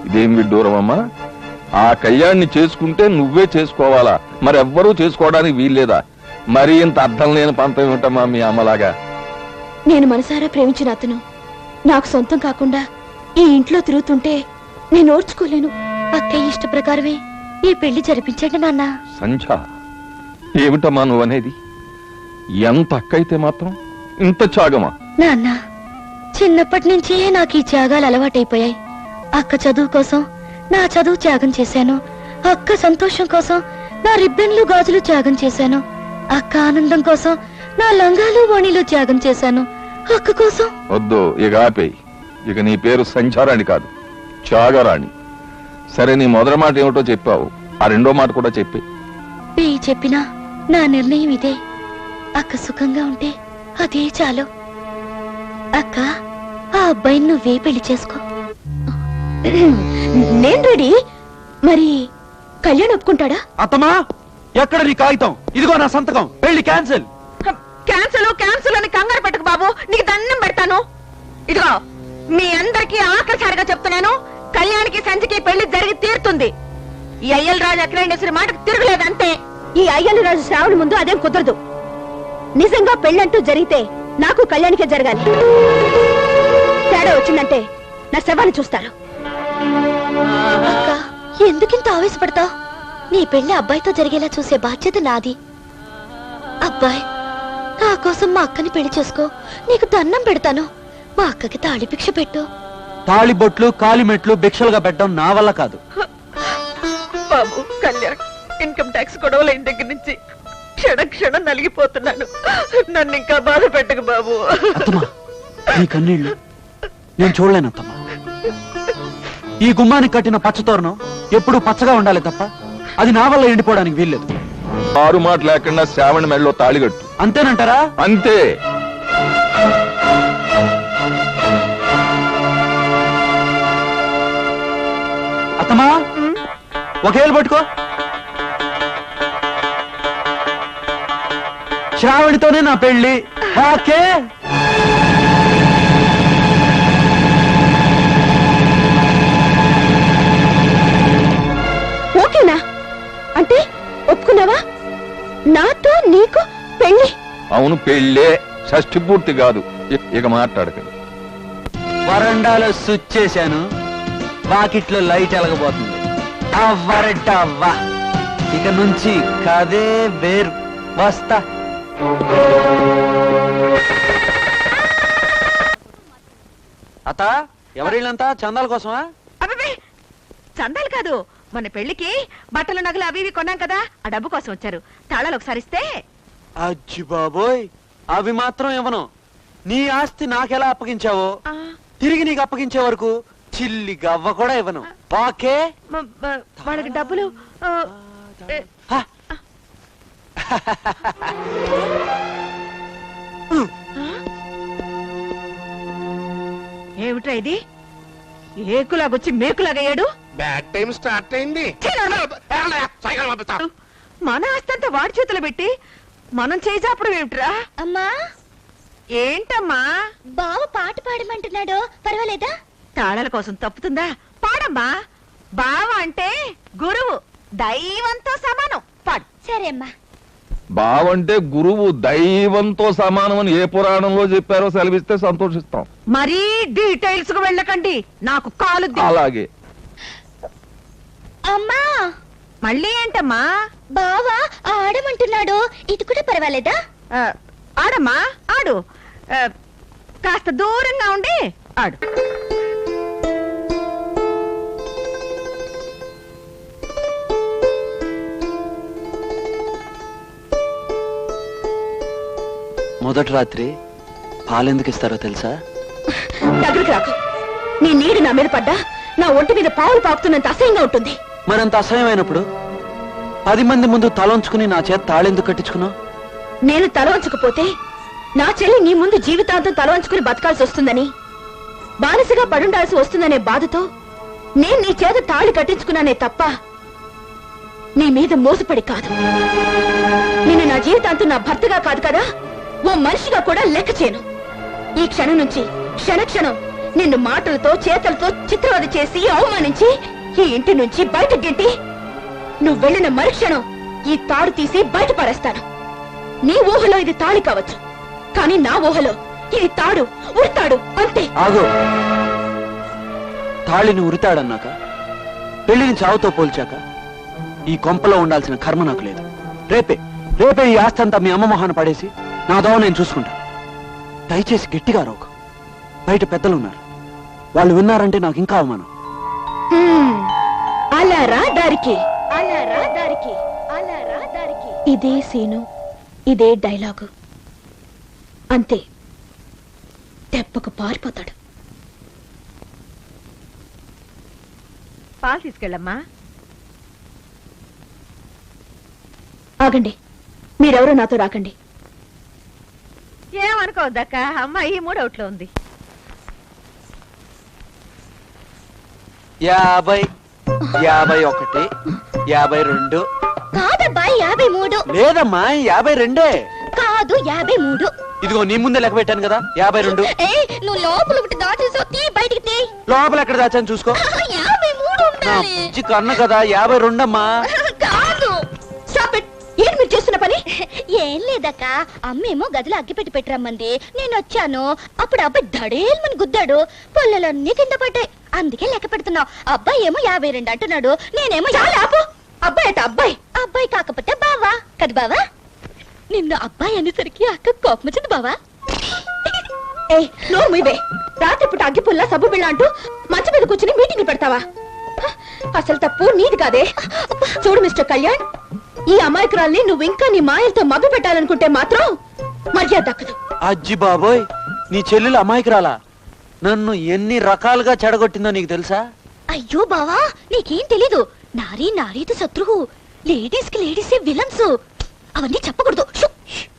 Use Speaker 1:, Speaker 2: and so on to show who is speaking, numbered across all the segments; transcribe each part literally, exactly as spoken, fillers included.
Speaker 1: ఇదేం విడ్డూరం అమ్మా? ఆ కళ్యాణ్ని చేసుకుంటే నువ్వే చేసుకోవాలా, మరెవ్వరూ చేసుకోవడానికి వీల్లేదా? మరీ ఇంత అర్థం లేని పంతం ఏమిటమ్మా మీ అమ్మలాగా?
Speaker 2: నేను మనసారా ప్రేమించిన అతను నాకు సొంతం కాకుండా ఈ ఇంట్లో తిరుగుతుంటే నేను ఓర్చుకోలేను. అత్తయ్య ఇష్ట ప్రకారమే ఈ పెళ్లి జరిపించండి నాన్న.
Speaker 1: సంధ్య, ఏమిటమ్మా నువ్వనేది? ఎంత అక్కయితే మాత్రం ఇంత త్యాగమా?
Speaker 2: నాన్న, చిన్నప్పటి నుంచే నాకు ఈ త్యాగాలు అలవాటైపోయాయి. అక్క చదువు కోసం నా చదువు త్యాగం చేశాను. అక్క సంతోషం కోసం నా రిబ్బన్లు గాజులు త్యాగం చేశాను. అక్క ఆనందం కోసం నా లంగాలు ఓణీలు త్యాగం చేశాను. అక్క కోసం.
Speaker 1: వద్దు, ఇక ఆపేయి. ఇక నీ పేరు సంచారాణి కాదు, త్యాగరాణి. సరే, నీ మొదటి మాట ఏమిటో చెప్పావు, ఆ రెండో మాట కూడా చెప్పి.
Speaker 2: ఈ చెప్పినా నా నిర్ణయం ఇదే. అక్క సుఖంగా ఉంటే అదే చాలు. అక్క, ఆ అబ్బాయిని నువ్వే పెళ్లి చేసుకో. నేను రెడీ. మరి కళ్యాణ్ ఒప్పుకుంటాడా?
Speaker 3: అత్తమా, ఎక్కడ నీ కాగితం? ఇదిగో నా సంతకం. పెళ్లి క్యాన్సిల్.
Speaker 4: క్యాన్సిల్ క్యాన్సిల్ అని కంగారు పెట్టకు బాబు, నీకు దండం పెడతాను. ఇదిగో, మీ అందరికీ ఆఖరిసారిగా చెప్తున్నాను, కళ్యాణికి సంచికి పెళ్లి జరిగి తీరుతుంది. ఈ అయ్యల్ రాజు అఖిలేశ్వరి మాటకు తిరగలేదంతే.
Speaker 2: ఈ అయ్యలు రాజు శ్రావణి ముందు అదేం కుదరదు. నిజంగా పెళ్ళంటూ జరిగితే నాకు కళ్యాణికే జరగాలి. తేడా వచ్చిందంటే నా శవాన్ని చూస్తారు. ఎందుకింత ఆవేశపడతావు? నీ పెళ్లి అబ్బాయితో జరిగేలా చూసే బాధ్యత నాది. అబ్బాయ్, నా కోసం మా అక్కని పెళ్లి చేసుకో. నీకు దండం పెడతాను. మా అక్కకి తాళి భిక్ష పెట్టు.
Speaker 3: తాళి బొట్లు కాలిమెట్లు భిక్షలుగా పెట్టడం నా వల్ల కాదు.
Speaker 4: బాబు కళ్యాణ్, ఇన్కమ్ ట్యాక్స్ గొడవలైన దగ్గర నుంచి క్షణ క్షణం నలిగిపోతున్నాను. నన్ను ఇంకా బాధ పెట్టకు బాబు.
Speaker 3: అత్తమా, నీ కన్నీళ్లు నేను చూడలేనత్తమ్మా. ఈ గుమ్మానికి కట్టిన పచ్చతోరణం ఎప్పుడు పచ్చగా ఉండాలి తప్ప అది నా వల్ల ఎండిపోవడానికి వీల్లేదు.
Speaker 1: ఆరు మాట లేకుండా శ్రావణి మెడలో తాళిగట్టు.
Speaker 3: అంతేనంటారా?
Speaker 1: అంతే.
Speaker 3: అత్తమా, ఒకేళ్ళు పట్టుకో. శ్రావణితోనే నా పెళ్లి. ఓకే.
Speaker 2: ఓకేనా? అంటే ఒప్పుకున్నావా? నాతో నీకు పెళ్లి?
Speaker 1: అవును, పెళ్ళే. షష్ఠి పూర్తి కాదు. ఇక మాట్లాడకండి.
Speaker 3: వరండాలో స్విచ్ చేశాను, వాకిట్లో లైట్ ఎలగబోతుంది. అవ్వరటవ్వా, ఇక నుంచి కదే వేరు. వస్తా. అత్త, ఎవరిళ్ళంతా చందాల కోసమా?
Speaker 4: అబ్బే, చందాలు కాదు, మన పెళ్లికి బట్టలు నగలు అవి ఇవి కొన్నాం కదా, ఆ డబ్బు కోసం వచ్చారు. తాళాలు ఒకసారి ఇస్తే.
Speaker 3: అజ్జి బాబోయ్, అవి మాత్రం ఇవ్వను. నీ ఆస్తి నాకెలా అప్పగించావో తిరిగి నీకు అప్పగించే వరకు చిల్లి గవ్వ కూడా ఇవ్వను. ఓకే?
Speaker 4: వాళ్ళకి డబ్బులు ఏమిట్రా ఇది? ఏకులాగొచ్చి మేకులాగయ్యాడు.
Speaker 5: బ్యాడ్ టైం స్టార్ట్ అయింది.
Speaker 4: మన ఆస్తంతా వాడి చేతులు పెట్టి మనం చేసాప్పుడు ఏమిట్రా?
Speaker 2: అమ్మా,
Speaker 4: ఏంటమ్మా?
Speaker 2: బావ పాట పాడమంటున్నాడు, పర్వాలేదా?
Speaker 4: తాళాల కోసం తప్పుతుందా? పాడమ్మా. బావ అంటే గురువు, దైవంతో సమానం. పాడు.
Speaker 2: సరే అమ్మా.
Speaker 1: బావంటే గురువు దైవంతో సమానం అని ఏ పురాణంలో చెప్పారో సెలవిస్తే సంతోషిస్తాం.
Speaker 4: మరీ డీటెయిల్స్ కు వెళ్ళకండి, నాకు కాలు.
Speaker 1: అలాగే.
Speaker 2: అమ్మా,
Speaker 4: మళ్ళీ ఏంటమ్మా?
Speaker 2: బావా ఆడమంటున్నాడు, ఇది కూడా పర్వాలేదా?
Speaker 4: ఆడమ్మా, ఆడు. కాస్త దూరంగా ఉండి ఆడు.
Speaker 3: మొదటి రాత్రి పాలెందుకు ఇస్తారో తెలుసా?
Speaker 2: దగ్గరికి రాకు. నీ నీడు నా మీద పడ్డా నా ఒంటి మీద పావులు పాకుతున్నంత అసహ్యంగా ఉంటుంది.
Speaker 3: మరంత అసహ్యమైనప్పుడు పది మంది ముందు తలంచుకుని నా చేత తాళెందుకు కట్టించుకున్నావు?
Speaker 2: నేను తలవంచుకుపోతే నా చెల్లి నీ ముందు జీవితాంతం తలవంచుకుని బతకాల్సి వస్తుందని, బానిసగా పడుండాల్సి వస్తుందనే బాధతో నేను నీ చేత తాళి కట్టించుకున్నానే తప్ప నీ మీద మోసపడి కాదు. నేను నా జీవితాంతం నా భర్తగా కాదు కదా, ఓ మనిషిగా కూడా లెక్క చేయను. ఈ క్షణం నుంచి క్షణ క్షణం నిన్ను మాటలతో చేతలతో చిత్రవద చేసి అవమానించి ఈ ఇంటి నుంచి బయట గింటి నువ్వు వెళ్ళిన మరుక్షణం ఈ తాడు తీసి బయట పారేస్తాను. నీ ఊహలో ఇది తాళి కావచ్చు, కానీ నా ఊహలో ఇది తాడు ఉడతాడు అంతే.
Speaker 3: ఆగు. తాళిని ఉరితాడన్నాక పెళ్లిని చావుతో పోల్చాక ఈ కొంపలో ఉండాల్సిన కర్మ నాకు లేదు. రేపే రేపే ఈ ఆస్తి అంతా మీ అమ్మ మొహాన పడేసి నా దోవ నేను చూసుకుంటాను. దయచేసి గట్టిగా రోకు. బయట పెద్దలున్నారు, వాళ్ళు విన్నారంటే నాకు ఇంకా అవమానం.
Speaker 2: హ్మ్. అలా రా దారికి, అలా రా దారికి, అలా రా దారికి. ఇదే సీను, ఇదే డైలాగు. అంతే, దెబ్బకు పారిపోతాడు.
Speaker 4: పాలు తీసుకెళ్ళమ్మా.
Speaker 2: ఆగండి, మీరెవరో నాతో రాకండి.
Speaker 4: ఏమనుకోవద్దక్క, అమ్మాయి మూడవుట్లో ఉంది.
Speaker 3: యాభై యాభై ఒకటి యాభై రెండు
Speaker 2: కాదబ్బాయి, యాభై మూడు.
Speaker 3: లేదమ్మా, యాభై రెండే.
Speaker 2: కాదు, యాభై మూడు.
Speaker 3: ఇదిగో నీ ముందే లెక్క పెట్టాను కదా, యాభై రెండు.
Speaker 2: నువ్వు లోపల ఒకటి దాచేసావు, తీ బయటికి తీ.
Speaker 3: లోపల ఎక్కడ దాచాను చూసుకో.
Speaker 2: యాభై మూడు
Speaker 3: నా పిచ్చి కన్ను కదా, యాభై రెండమ్మా.
Speaker 2: కాదు. Stop it. ఏం మీరు చేస్తున్న పని?
Speaker 6: ఏం లేదక్క, అమ్మేమో గదిలో అగ్గిపెట్టి పెట్టరమ్మంది. నేను వచ్చాను, అప్పుడు అబ్బాయి దడేల్మని గుద్దాడు, పొల్లలన్నీ కింద పడ్డాయి. అందుకే లెక్క పెడుతున్నావు. అబ్బాయి ఏమో యాభై రెండు అంటున్నాడు, నేనేమో
Speaker 2: చాలా ఆపు. అబ్బాయి అయితే అబ్బాయి.
Speaker 6: అబ్బాయి కాకపోతే బావా కదా బావా. నిన్ను అబ్బాయి అనేసరికి అక్క కోపం వచ్చింది బావా.
Speaker 2: ఏ నోరు మీవే. రాత్రిపూట అగ్గిపుల్ల సబ్బు బిళ్ళ అంటూ మంచం మీద కూర్చుని మీటింగ్ పెడతావా? అసలు తప్పు నీది కాదే. చూడు మిస్టర్ కళ్యాణ్, ఈ అమాయకురాల్ని నువ్వు ఇంకా నీ మాయలతో మభ్య పెట్టాలనుకుంటే మాత్రం మర్యాద దక్కదు.
Speaker 3: అజ్జి బాబోయ్, నీ చెల్లెలు అమాయకురాలా? నన్ను ఎన్ని రకాలుగా చెడగొట్టిందో నీకు తెలుసా?
Speaker 6: అయ్యో బావా, నీకేం తెలీదు. నారీ నారీతో శత్రువు, లేడీస్ కి లేడీసే విలన్స్. అవన్నీ చెప్పకూడదు. షు.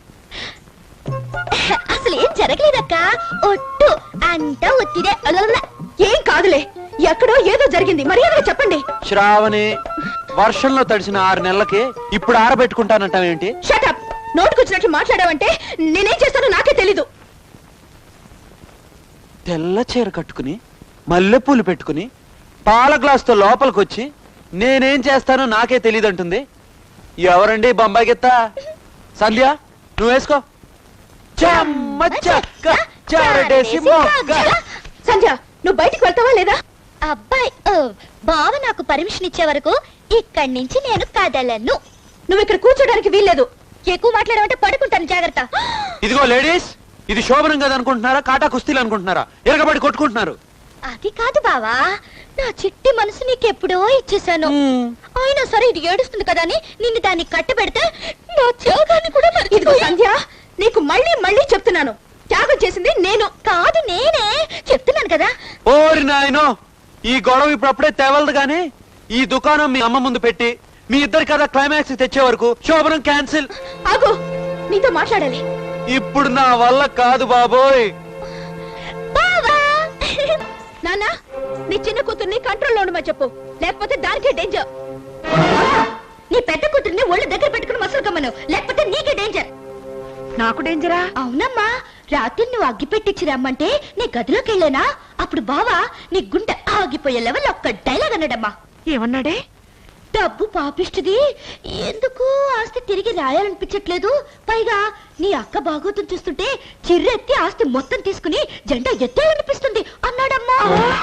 Speaker 6: అసలు ఏం జరగలేదక్క, ఒట్టు అంతా ఒత్తిదే. అలల.
Speaker 2: ఏం కాదులే, ఎక్కడో ఏదో జరిగింది, మర్యాదగా చెప్పండి.
Speaker 3: శ్రావణి, వర్షంలో తడిసిన ఆరు నెలలకి ఇప్పుడు ఆరబెట్టుకుంటానంటావేంటి?
Speaker 2: షటప్. నోటుకొచ్చినట్లు మాట్లాడావంటే నేనేం చేస్తానో నాకే తెలీదు.
Speaker 3: తెల్ల చీర కట్టుకుని మల్లెపూలు పెట్టుకుని పాల గ్లాసుతో లోపలికొచ్చి నేనేం చేస్తానో నాకే తెలియదంటుంది. ఎవరండి బొంబాయి గిత్త? సంధ్య, నువ్వు వేసుకో. చెమ్మ చెక్క చెరడేసి మొగ్గ.
Speaker 2: సంధ్య, నువ్వు బయటికి వెళ్తావా లేదా?
Speaker 6: అబ్బాయి ఓ, బావ నాకు పర్మిషన్ ఇచ్చే వరకు ఇక్కడి నుంచి నేను కదలను.
Speaker 2: నువ్వు ఇక్కడ కూర్చోడానికి వీల్లేదు.
Speaker 6: ఎక్కువ మాట్లాడమంటే పడుకుంటాను, జాగ్రత్త.
Speaker 3: ఇదిగో లేడీస్, ఇది శోభనం కదా అనుకుంటున్నారా, కాటా కుస్తీలు అనుకుంటున్నారా? ఎరగబడి కొట్టుకుంటున్నారు.
Speaker 6: అది కాదు బావా, నా చిట్టి మనసు నీకెప్పుడో ఇచ్చేసాను. అయినా సరే ఇది ఏడుస్తుంది కదా అని నిన్ను దాన్ని కట్టబెడితే నా త్యాగాన్ని కూడా
Speaker 2: ఇదిగో
Speaker 6: మర్చిపోయా.
Speaker 2: సంధ్య, నీకు మళ్ళీ మళ్ళీ చెప్తున్నాను, త్యాగం చేసింది నేను
Speaker 6: కాదు నేనే చెప్తున్నాను కదా.
Speaker 3: ఓరి నాయనో, ఈ గొడవ ఇప్పుడప్పుడే తెవలదు గాని ఈ దుకాణం మీ అమ్మ ముందు పెట్టి మీ ఇద్దరి కదా క్లైమాక్స్ తెచ్చే వరకు శోభనం క్యాన్సిల్.
Speaker 2: ఆగు, నీతో మాట్లాడాలి.
Speaker 3: ఇప్పుడు నా వల్ల కాదు బాబోయ్.
Speaker 6: బావా
Speaker 2: నాన్న, నీ చిన్న కూతుర్ని కంట్రోల్లో ఉండమని చెప్పు, లేకపోతే దానికే డేంజర్.
Speaker 6: నీ పెద్ద కూతుర్ని ఒళ్ళు దగ్గర పెట్టుకుని మసలు కమ్మను, లేకపోతే నీకే డేంజర్.
Speaker 4: నాకు డేంజరా?
Speaker 6: అవునమ్మా, రాత్రి నువ్వు అగ్గి పెట్టించి రమ్మంటే నీ గదిలోకి వెళ్ళానా, అప్పుడు బావా నీ గుండె ఆగిపోయే లెవెల్ ఒక్క డైలాగ్ అన్నాడమ్మా.
Speaker 4: ఏమన్నాడే?
Speaker 6: డబ్బు పాపిష్టిది, ఎందుకు ఆస్తి తిరిగి రాయాలనిపించట్లేదు, పైగా నీ అక్క బాగోతం చూస్తుంటే చిర్రెత్తి ఆస్తి మొత్తం తీసుకుని జెండా ఎత్తేయాలనిపిస్తుంది అన్నాడమ్మా.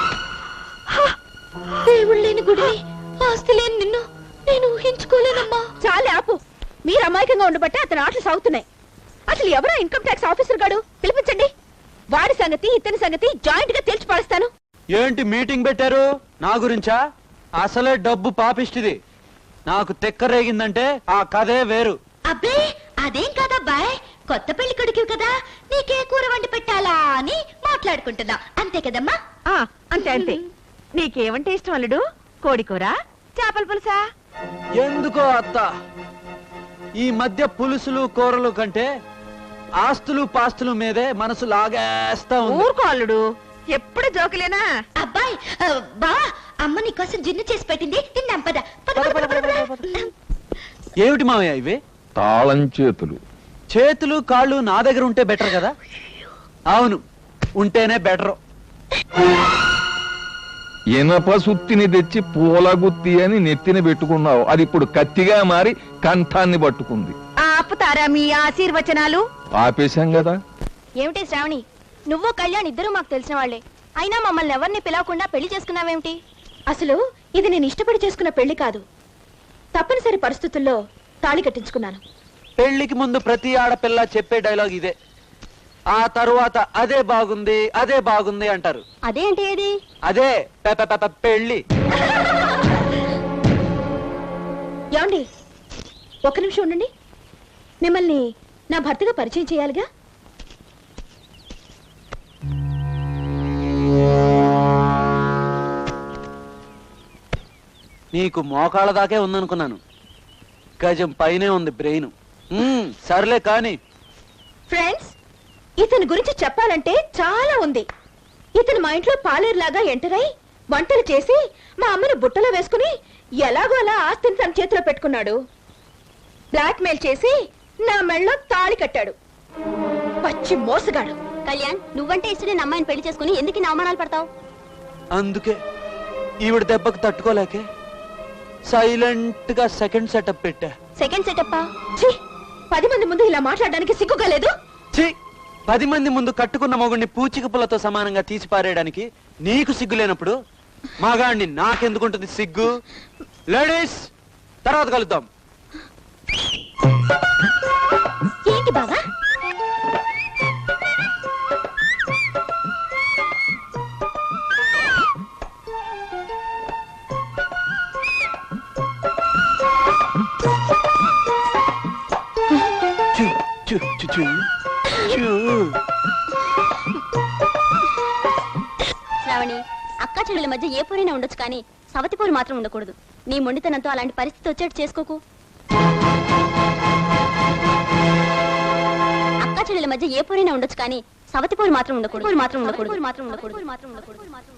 Speaker 6: దేవుడు లేని గుడి, ఆస్తి లేని నిన్ను నేను ఊహించుకోలేనమ్మా.
Speaker 2: చాలే ఆపు. మీరు అమాయకంగా ఉండబట్టే అతని ఆటలు సాగుతున్నాయి. అసలు ఎవరో ఇన్కమ్ ట్యాక్స్ ఆఫీసర్ గాడు, పిలిపించండి. వాడి సంగతి ఇతని సంగతి జాయింట్ గా తేల్చి పారేస్తాను.
Speaker 3: ఏంటి మీటింగ్ పెట్టారు నా గురించా? అసలే డబ్బు పాపిష్టిది. నాకు తెక్కరేగిందంటే ఆ కథే వేరు.
Speaker 6: అబ్బే అదేం కాదబ్బాయ్, కొత్త పెళ్లి కొడుకు కదా, నీకే కూర వండి పెట్టాలా అని మాట్లాడుకుంటున్నా, అంతే కదమ్మా?
Speaker 4: ఆ, అంతే అంతే. నీకేమంటే ఇష్టం అల్లుడు? కోడి కూర, చేపల పులుసా?
Speaker 3: ఎందుకో అత్త, ఈ మధ్య పులుసులు కూరలు కంటే ఆస్తులు పాస్తులు మీదే మనసు లాగేస్తా ఉంది.
Speaker 4: ఊరుకో అల్లుడు, ఎప్పుడు జోకులేనా?
Speaker 6: అబ్బాయ్ ఆ, బా అమ్మ నీకోసం జిన్ను చేసి పెట్టింది, తిందాం పద. పద, పద, పద, పద, పద.
Speaker 3: ఏమిటి మావయ్య ఇవి?
Speaker 1: తాళం చేతులు.
Speaker 3: చేతులు కాళ్ళు నా దగ్గర ఉంటే బెటర్ కదా? అవును, ఉంటేనే బెటర్.
Speaker 1: ఇనప సుత్తిని తెచ్చి పూలగుత్తి అని నెత్తిన పెట్టుకున్నావు, అది ఇప్పుడు కత్తిగా మారి కంఠాన్ని పట్టుకుంది.
Speaker 4: ఆపుతారా మీ ఆశీర్వచనాలు?
Speaker 1: ఆపేశాం కదా.
Speaker 2: ఏమిటి శ్రావణి, నువ్వు కళ్యాణ్ ఇద్దరు మాకు తెలిసిన వాళ్లే, అయినా మమ్మల్ని ఎవరిని పిలవకుండా పెళ్లి చేసుకున్నావేమిటి? అసలు ఇది నేను ఇష్టపడి చేసుకున్న పెళ్లి కాదు, తప్పనిసరి పరిస్థితుల్లో తాళి కట్టించుకున్నాను.
Speaker 3: పెళ్లికి ముందు ప్రతి ఆడపిల్ల చెప్పే డైలాగ్ ఇదే. ఆ తరువాత అదే బాగుంది అదే బాగుంది అంటారు.
Speaker 2: అదేంటి ఏది?
Speaker 3: అదే పె- పె- పె- పెళ్లి.
Speaker 2: ఏమండి, ఒక్క నిమిషం ఉండండి. మిమ్మల్ని నా భర్తగా పరిచయం చేయాలిగా.
Speaker 3: నీకు మోకాళ్ళ దాకే ఉందనుకున్నాను, గజం పైనే ఉంది బ్రెయిన్. మ్మ్, సర్లే కాని.
Speaker 2: ఫ్రెండ్స్, ఇతని గురించి చెప్పాలంటే చాలా ఉంది. ఇతను మా ఇంట్లో పాలేరులాగా ఎంటర్ అయి వంటలు చేసి మా అమ్మను బుట్టలో వేసుకుని ఎలాగో అలా ఆస్తిని తన చేతిలో పెట్టుకున్నాడు. బ్లాక్ మెయిల్ చేసి నా మెళ్ళలో తాళి కట్టాడు. పచ్చి మోసగాడు.
Speaker 6: కళ్యాణ్, నువ్వంటే ఇష్టమైన అమ్మాయిని పెళ్లి చేసుకుని ఎందుకు ఇన్ని అవమానాలు పడతావు?
Speaker 3: అందుకే ఈవిడ దెబ్బకు తట్టుకోలేకే సైలెంట్ గా సెకండ్ సెటప్ పెట్టా.
Speaker 2: సెకండ్ సెటప్పా? ఛీ, పది మంది ముందు ఇలా మాట్లాడడానికి సిగ్గుగా లేదు?
Speaker 3: ఛీ, పది మంది ముందు కట్టుకున్న మొగుడిని పూచిక పుల్లతో సమానంగా తీసి పారేయడానికి నీకు సిగ్గు లేనప్పుడు మగాడిని నాకెందుకుంటుంది సిగ్గు? లేడీస్, తర్వాత కలుద్దాం.
Speaker 6: ఏంటి బావా?
Speaker 3: చూ, చూ, చూ, చూ, చూ.
Speaker 6: శ్రావణి, అక్కా చెల్లెల మధ్య ఏ పోరైనా ఉండొచ్చు కానీ సవతి పోరు మాత్రం ఉండకూడదు. నీ మొండితనంతో అలాంటి పరిస్థితి వచ్చేట్టు చేసుకోకు. అక్కా చెల్లెల మధ్య ఏ పోరైనా ఉండొచ్చు కానీ సవతి పోరు మాత్రం ఉండకూడదు. మాత్రం ఉండకూడదు. మాత్రం ఉండకూడదు. మాత్రం ఉండకూడదు.